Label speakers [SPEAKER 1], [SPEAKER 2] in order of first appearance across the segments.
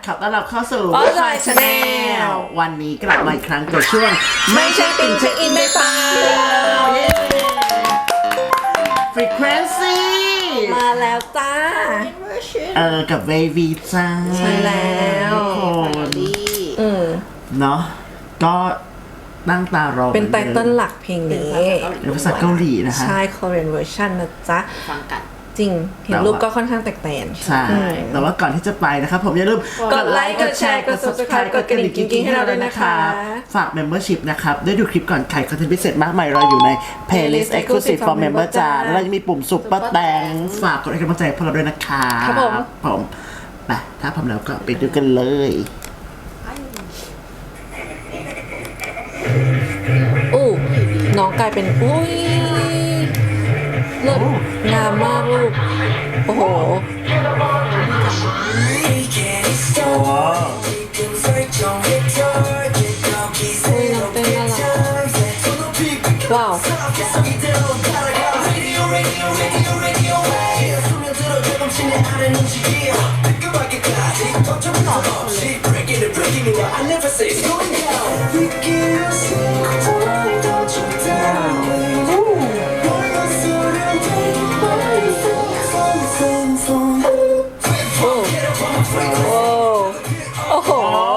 [SPEAKER 1] ขอต้อนรับเข้าสู่
[SPEAKER 2] Offline Channel
[SPEAKER 1] วันนี้กลับมาอีกครั้งกับช่วงไม่ใช่ติ่งเช็คอินได้เปล่า Frequency
[SPEAKER 2] มาแล้วจ้า
[SPEAKER 1] กับเววีจ้า
[SPEAKER 2] ใช่แล้ว
[SPEAKER 1] ทุกคนเนาะก็นั่งตารอ
[SPEAKER 2] เป็นไตเติ้ลหลักเพลงนี้
[SPEAKER 1] เป็นภาษาเกาหลีนะคะ
[SPEAKER 2] ใช่ Korean version นะจ๊ะ
[SPEAKER 3] ฟังกัน
[SPEAKER 2] จริง เห็นรูปก็ค่อนข้างแตกต่าง
[SPEAKER 1] ใช่ แต่ว่าก่อนที่จะไปนะครับผมอย่าลืม
[SPEAKER 2] กดไลค์กดแชร์กด Subscribe กดกระดิ่งกิ๊งๆให้เราด้วยนะคะ
[SPEAKER 1] ฝาก Membership นะครับได้ดูคลิปก่อนใครคอนเทนต์พิเศษมากมายรออยู่ใน Playlist Exclusive for Member จ้าแล้วเราจะมีปุ่ม Super Thanks ฝากกดให้กำลังใจพวกเราด้วยนะคะ
[SPEAKER 2] ครับผม
[SPEAKER 1] ไปถ้าพร้อมแล้วก็ไปดูกันเลย
[SPEAKER 2] อู้น้องกลายเป็นอุ้ยเลิศงามมากลูก โอ้โหว้าว โอ้โห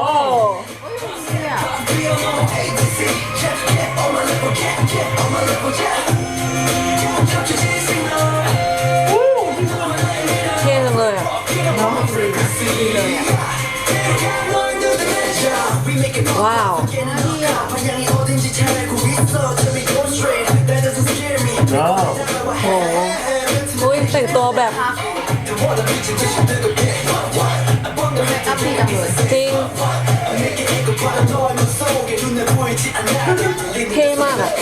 [SPEAKER 2] เท่จังเลยอ่ะว้าวโอ้โหอุ้ยแต่งตัวแบบ
[SPEAKER 3] อัพดีจังเลย
[SPEAKER 2] จริง เท่มากอ่ะ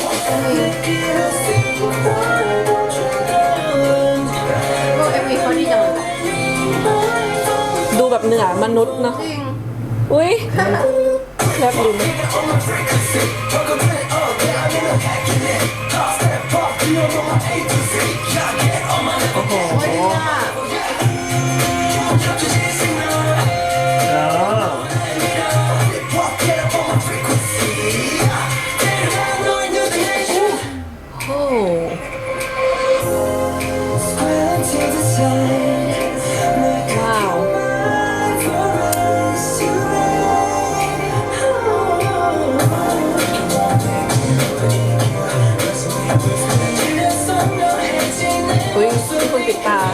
[SPEAKER 3] ก็เอ็มวีเขาดีจังเลย
[SPEAKER 2] ดูแบบเหนือมนุษย์เนอะ
[SPEAKER 3] จริง
[SPEAKER 2] อุ้ยแลบลิ้นโอ้โห
[SPEAKER 3] โอ้ยดีอ่ะ
[SPEAKER 2] โอ้โหว้าวอุ้ยทุกคนปิดตา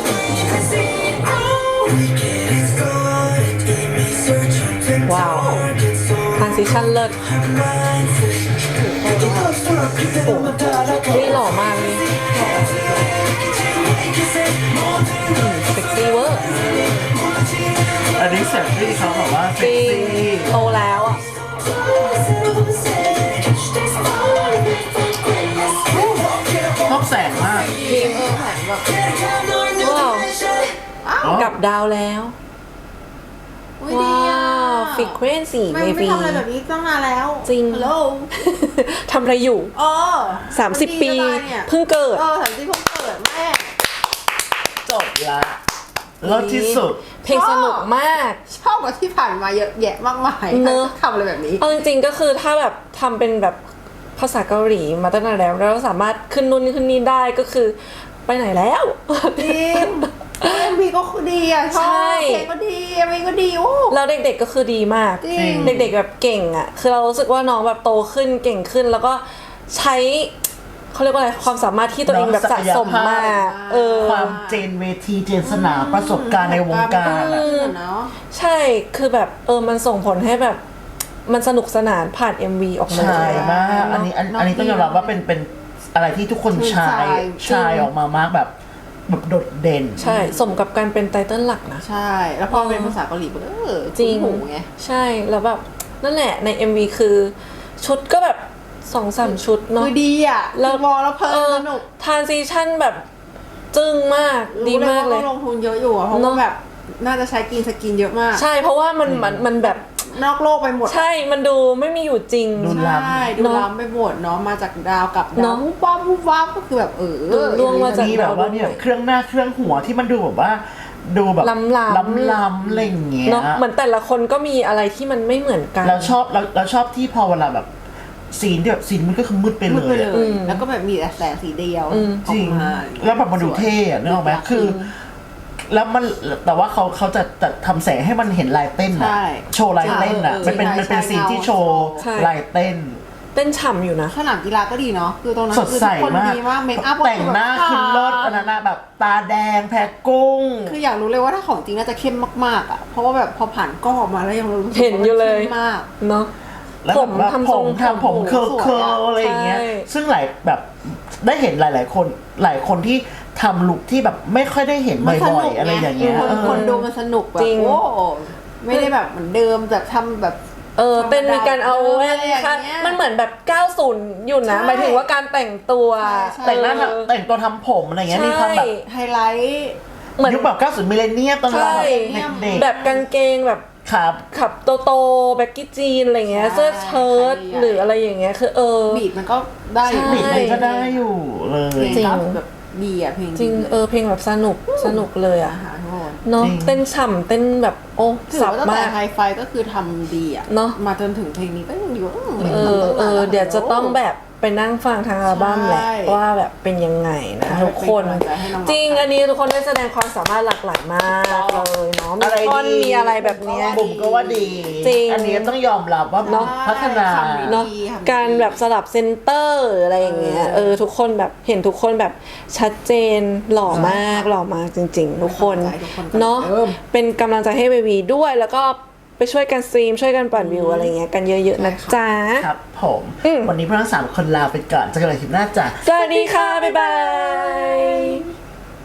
[SPEAKER 2] ว้าวทรานซิชั่นเลิศโอ้ยหล่อมากเลยเซ็กซี่เวอร์
[SPEAKER 1] อันนี้เซ็กซี่เขาบอกว่า
[SPEAKER 2] จ
[SPEAKER 1] เซ็ก
[SPEAKER 2] ริง
[SPEAKER 1] ซี่
[SPEAKER 2] โตแล้วอ่ะ
[SPEAKER 1] ชอบแสงมาก
[SPEAKER 3] จริงแผนแบบ
[SPEAKER 2] ว้าว
[SPEAKER 1] อ๋อ
[SPEAKER 2] กลับดาวแล้ว
[SPEAKER 3] อุ้ยดี
[SPEAKER 2] ว้า
[SPEAKER 3] อ่ะ
[SPEAKER 2] วฟิกเวนสี่
[SPEAKER 3] ไม่
[SPEAKER 2] เม
[SPEAKER 3] ไม่
[SPEAKER 2] บี
[SPEAKER 3] ทำอะไรแบบนี้ตั้งนานแล้ว
[SPEAKER 2] จริง
[SPEAKER 3] ฮัลโหล
[SPEAKER 2] ทำอะไรอยู่
[SPEAKER 3] อ๋อ
[SPEAKER 2] 30 ปี
[SPEAKER 3] เนี่ย
[SPEAKER 2] เพิ่งเกิด
[SPEAKER 3] 30 เพิ่งเกิดแม่
[SPEAKER 1] จบละเลิศที่สุด
[SPEAKER 2] เพลงสนุกมาก
[SPEAKER 3] ชอบกว่าที่ผ่านมาเยอะแยะมากมาย
[SPEAKER 2] เนอะ
[SPEAKER 3] ทำอะไรแบบนี้
[SPEAKER 2] เอาจริงๆก็คือถ้าแบบทำเป็นแบบภาษาเกาหลีมาตั้งนานแล้วเราสามารถขึ้นนู่นขึ้นนี่ได้ก็คือไปไหนแล้ว
[SPEAKER 3] จริงเอ็มวีก็ดีอ่ะชอบ
[SPEAKER 2] ใช่
[SPEAKER 3] เพลงก็ดีเอ็มวีก็ดีโอ้
[SPEAKER 2] แล้วเด็กๆก็คือดีมาก
[SPEAKER 3] จริง
[SPEAKER 2] เด็กๆแบบเก่งอ่ะ คือเรารู้สึกว่าน้องแบบโตขึ้นเก่งขึ้น แล้วก็ใช้เขาเรียกว่าอะไรความสามารถที่ตัวเองแบบสะสมมา
[SPEAKER 1] ความเจนเวทีเจนสนามประสบการณ์ในวงการอะ
[SPEAKER 3] เนาะ
[SPEAKER 2] ใช่คือแบบมันส่งผลให้แบบมันสนุกสนานผ่าน MV ออกมา
[SPEAKER 1] ใช่มากอันนี้ต้องยอมรับว่าเป็นอะไรที่ทุกคนชายออกมามากแบบโดดเด่น
[SPEAKER 2] ใช่สมกับการเป็นไตเติ้ลหลักนะ
[SPEAKER 3] ใช่ แล้วพอเป็นภาษาเกาหลีมัน
[SPEAKER 2] จริง
[SPEAKER 3] หูไง
[SPEAKER 2] ใช่แล้วแบบนั่นแหละใน MV คือชุดก็แบบ 2-3 ชุดเนาะ
[SPEAKER 3] คือดีอ่ะ
[SPEAKER 2] แล้ว
[SPEAKER 3] มองแล้วเพลินสนุก
[SPEAKER 2] ทรานซิชั่นแบบจึ้งมากดีมากเลย
[SPEAKER 3] รู้ว่าต้องลงทุนเยอะอยู่อะเพราะว่าแบบน่าจะใช้สกินเยอะมาก
[SPEAKER 2] ใช่เพราะว่ามันแบบ
[SPEAKER 3] นอกโลกไปหมด
[SPEAKER 2] ใช่มันดูไม่มีอยู่จริง
[SPEAKER 1] ดู
[SPEAKER 3] ใช่ดู
[SPEAKER 2] เนอะ
[SPEAKER 3] ล้ำไปหมดเนาะมาจากดาวกับดา
[SPEAKER 2] เน
[SPEAKER 3] ว
[SPEAKER 2] อะ
[SPEAKER 3] วุบวับก็คือแบบ
[SPEAKER 2] ดูล่วงมาจาก
[SPEAKER 1] มีแบบว่าเนี่ยเครื่องหน้าเครื่องหัวที่มันดูแบบว่าดูแบบ
[SPEAKER 2] ล้ำๆ
[SPEAKER 1] ล้ำอะไรอย่างเงี้ย
[SPEAKER 2] เนาะเหมือนแต่ละคนก็มีอะไรที่มันไม่เหมือนกัน
[SPEAKER 1] เราชอบที่พอเวลาแบบซีนที่แบบซีนมันก็คือมืดไป
[SPEAKER 3] มื
[SPEAKER 1] เล
[SPEAKER 3] ดไป
[SPEAKER 1] ย
[SPEAKER 3] เล
[SPEAKER 1] อะ
[SPEAKER 3] ย แล้วก็แบบมีแต่แสงสีเดียว
[SPEAKER 1] จริง
[SPEAKER 3] ออกมา
[SPEAKER 1] แล้วแบบมันดูเท่อะนึกออกไหมคือ แล้วมันแต่ว่าเขาจะทำแสงให้มันเห็นลายเต้นอะ
[SPEAKER 3] ใช่
[SPEAKER 1] โชว์ลายเต้นอะ
[SPEAKER 3] ใช่
[SPEAKER 1] มันเป็น
[SPEAKER 3] ใช่
[SPEAKER 1] มันเป็นซีนที่โชว์
[SPEAKER 2] ใช่
[SPEAKER 1] ลายเต้น
[SPEAKER 2] เต้นฉ่ำอยู่นะ
[SPEAKER 3] สนามกีฬาก็ดีเนาะคือตรงนั้น
[SPEAKER 1] สดใส
[SPEAKER 3] คือทุกคน
[SPEAKER 1] มาก
[SPEAKER 3] ดีมากเมคอัพ
[SPEAKER 1] แต่งหน้าคือเลิศอันนั้นอะแบบตาแดงแพ้กุ้ง
[SPEAKER 3] คืออยากรู้เลยว่าถ้าของจริงน่าจะเข้มมากๆอ่ะเพราะว่าแบบพอผ่านกล้องออกมาแล้วยังรู้สึก
[SPEAKER 2] เห็นอยู่เลย
[SPEAKER 3] ว่ามันข้มมาก
[SPEAKER 2] เนาะ
[SPEAKER 1] แล้ว
[SPEAKER 2] ผ
[SPEAKER 1] แบบ
[SPEAKER 2] ม
[SPEAKER 1] ว่า
[SPEAKER 2] ทำทรง
[SPEAKER 1] ผมเคิร์
[SPEAKER 3] สวยอะ
[SPEAKER 1] อะไรอย่างเงี้ย
[SPEAKER 2] ใช่
[SPEAKER 1] ซึ่งหลายแบบได้เห็นหลาย ๆ คนหลายคนที่ทำลุคที่แบบไม่ค่อยได้เห็น
[SPEAKER 3] มันส
[SPEAKER 1] บ่อ
[SPEAKER 3] นุ
[SPEAKER 1] ย
[SPEAKER 3] ก
[SPEAKER 1] ๆอะไรอย่างเงี้ย
[SPEAKER 3] คนดูมันสนุกแบบ
[SPEAKER 2] จริง
[SPEAKER 3] โอ้ไม่ได้แบบเหมือนเดิมแบบทำแบบ
[SPEAKER 2] เต้นมีการเอา
[SPEAKER 3] อะไรอย่างเงี้ย
[SPEAKER 2] ค่ะมันเหมือนแบบ 90 อยู่นะ
[SPEAKER 3] ใช่
[SPEAKER 2] หมายถึงว่าการแต่งตัว
[SPEAKER 3] ใช่
[SPEAKER 1] แต่งหน้าแต่งตัวทำผมอะไรเงี้ย
[SPEAKER 2] ใช่
[SPEAKER 1] มีความแบบ
[SPEAKER 3] ไฮไลท์
[SPEAKER 2] เหมือน
[SPEAKER 1] ยุคแบบ90มิเลเนียมตอนเรา
[SPEAKER 2] ใช่
[SPEAKER 1] เด็ก
[SPEAKER 2] แบบกางเกงแบบ
[SPEAKER 1] ๆครับ
[SPEAKER 2] ขับโตแบ็กกี้จีนอะไรเงี้ย
[SPEAKER 3] ใช่
[SPEAKER 2] เสื้อเชิ้ต
[SPEAKER 3] ใช่
[SPEAKER 2] หรืออะไรอย่างเงี้ยคือ
[SPEAKER 3] บีดมันก็ได้อยู่
[SPEAKER 2] ใช่
[SPEAKER 1] บิดมันก็ได้อยู่เล
[SPEAKER 3] เพล
[SPEAKER 1] ย
[SPEAKER 3] ง
[SPEAKER 2] จริง
[SPEAKER 3] ก็แบบดีอ่ะเพลง
[SPEAKER 2] จริงเพลงแบบสนุกเลย
[SPEAKER 3] อา
[SPEAKER 2] อะ
[SPEAKER 3] หารทุกคน
[SPEAKER 2] เนาะ
[SPEAKER 1] จริง
[SPEAKER 2] เต้นฉ่ำเต้นแบบโอ้
[SPEAKER 3] ถือ
[SPEAKER 2] สับ
[SPEAKER 3] ว่าตั้ง
[SPEAKER 2] มา
[SPEAKER 3] แต่
[SPEAKER 2] ก
[SPEAKER 3] ไฮไฟก็คือทำดีอ่ะ
[SPEAKER 2] เนอะ
[SPEAKER 3] มาจนถึงเพลงนี้ก็ยังอยู่
[SPEAKER 2] เดี๋ยวจะต้องแบบไปนั่งฟังทางอัลบั้มแหละ
[SPEAKER 3] ใช่
[SPEAKER 2] ว่าแบบเป็นยังไงนะทุกคน
[SPEAKER 3] เป็นกำลังใจให้น้องๆ
[SPEAKER 2] จริงอันนี้ทุกคนได้แสดงความสามารถหลากหลายมากเลยเนาะมี
[SPEAKER 1] อะไร
[SPEAKER 2] ท่อน
[SPEAKER 1] ดี
[SPEAKER 2] มีอะไรแบบเนี้ย
[SPEAKER 1] บุ๋มก็ว่าดี
[SPEAKER 2] จริง
[SPEAKER 1] อันนี้ต้องยอมรับว่า
[SPEAKER 2] เนอะ
[SPEAKER 1] พัฒนา
[SPEAKER 3] คำดี
[SPEAKER 2] เนาะ
[SPEAKER 3] ทำดี
[SPEAKER 2] การแบบสลับเซนเตอร์อะไรอย่างเงี้ยทุกคนแบบเห็นทุกคนแบบชัดเจนหล่อมากจริง ๆ ทุกคน
[SPEAKER 3] ให้กำลังใจทุกคนกัน
[SPEAKER 2] เนาะ
[SPEAKER 3] เอิ่ม
[SPEAKER 2] เป็นกำลังใจให้เบบีด้วยแล้วก็ไปช่วยกันสตรีมช่วยกันปั่นวิวอะไรเงี้ยกันเยอะๆนะจ๊ะ
[SPEAKER 1] ครับผม
[SPEAKER 2] อืม
[SPEAKER 1] วันนี้พวกเราทั้ง3 คนลาไปก่อนเจอกันใหม่คลิปหน้าจ้ะ
[SPEAKER 2] สวัสดีค่ะ บ๊ายบาย